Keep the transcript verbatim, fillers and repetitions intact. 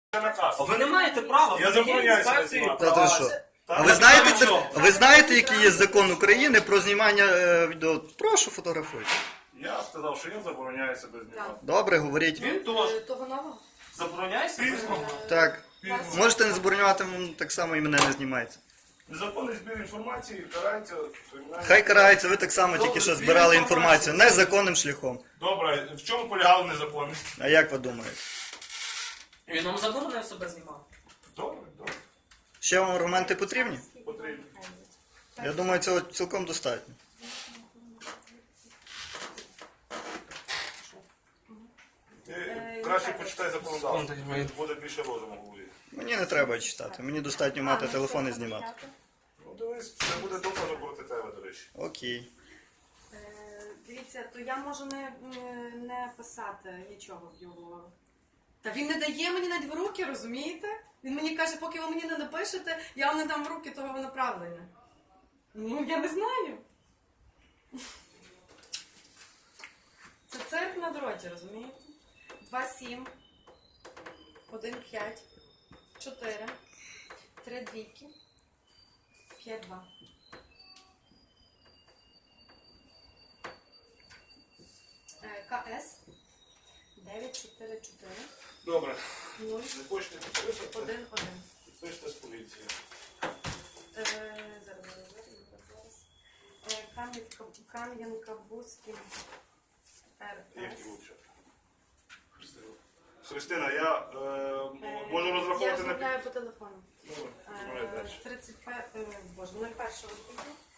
А ви не маєте права. Я забороняю себе інспекції знімати. Та права. ти що? А Так, ви знаєте, так, що? а ви знаєте, який є закон України про знімання е, відео? Прошу, фотографуйте. Я сказав, що я забороняю себе знімати. Добре, говоріть. Він теж. Того нового? Забороняє себе знімати. Так. Можете не забороняти, м, так само і мене не знімайте. Незаконний збір інформації карається кримінальним. Хай карається, ви так само тільки що збирали інформацію незаконним шляхом. Добре, в чому полягала незаконність? А як ви думаєте? Він вам заборонив себе знімати. Добре, добре, Ще вам аргументи потрібні? потрібно. Я думаю, цього цілком достатньо. Ти краще почитай законодавство. Буде більше розуму в голові. Мені не треба читати, мені достатньо мати телефон і знімати. Ну дивись, це буде доказом проти тебе, до речі. Окей. Е, Дивіться, то я можу не, не, не писати нічого в його. Та він не дає мені навіть в руки, розумієте? Він мені каже, поки ви мені не напишете, я вам не дам в руки того направлення. Ну, я не знаю. Це цирк на дроті, розумієте? два сім, один п'ять, чотири, три двійки, п'ять два. КС дев'ять чотири чотири Добре. нуль Не хочете підписати? один один. Підпишете з поліції. Е, Зараз, зараз, зараз, зараз. Е, Кам'янка, Кам'янка-Бузький Як РС. його вчати? Христина. Христина, я е, Е, можу Я розраховувати на розмовляю по телефону. Добре, розмовляй Е, далі. тридцять п'ять, е, боже, нуль один відповідь.